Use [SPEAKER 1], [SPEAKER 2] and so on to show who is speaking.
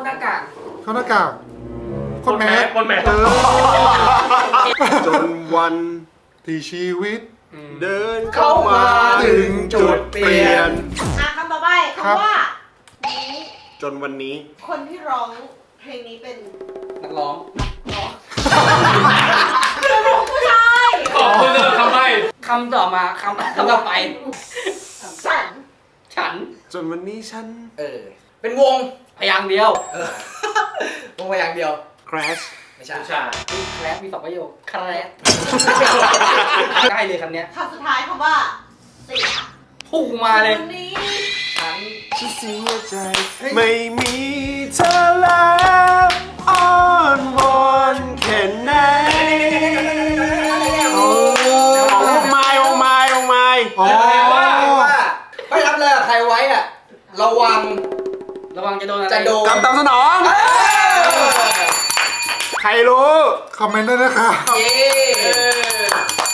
[SPEAKER 1] หน้ากาก
[SPEAKER 2] เข้าหน้ากากคนแมส
[SPEAKER 3] คนแมส
[SPEAKER 4] จนวัน
[SPEAKER 2] ที่ชีวิต
[SPEAKER 4] เดินเข้ามาถึงจุดเปลี่ยน
[SPEAKER 5] คำต่อไป
[SPEAKER 2] ครับ
[SPEAKER 5] คำว่านี้
[SPEAKER 4] จนวันนี้
[SPEAKER 5] คนที่ร้องเพลงนี้เป็น
[SPEAKER 1] นักร้อง
[SPEAKER 5] ผู้ชาย
[SPEAKER 3] ขอบคุณเลยทำไม
[SPEAKER 1] คำต่อมาคำต่อไป
[SPEAKER 5] ฉัน
[SPEAKER 1] ฉัน
[SPEAKER 4] จนวันนี้ฉัน
[SPEAKER 1] เป็นวงพยางค์เดียว
[SPEAKER 6] วงมาอย่างเดียว
[SPEAKER 4] crash
[SPEAKER 6] ไม่ใช่
[SPEAKER 3] ผู้ชาย
[SPEAKER 1] แครปมีสองประโยคแครปได้เลยคำเนี้ย
[SPEAKER 5] คำสุดท้ายคำว่าเสีย
[SPEAKER 1] พุ่งมาเลย
[SPEAKER 5] วันนี้
[SPEAKER 1] ฉัน
[SPEAKER 4] ฉันเสียใจ ไม่มีเธอแล้วอ้อนวอนแค่ไหนโอ้ไม่โอ้ไม่โอ้ไม่
[SPEAKER 2] อ๋อ
[SPEAKER 6] ว่าไม่รับเลยอะใครไว้อะระวัง
[SPEAKER 1] ระวังจะโดนอะไร
[SPEAKER 6] จะโดน
[SPEAKER 4] กำตามสนอง
[SPEAKER 6] เออ
[SPEAKER 4] ใครรู้
[SPEAKER 2] คอมเมนต์ด้วยนะคะ
[SPEAKER 6] เย้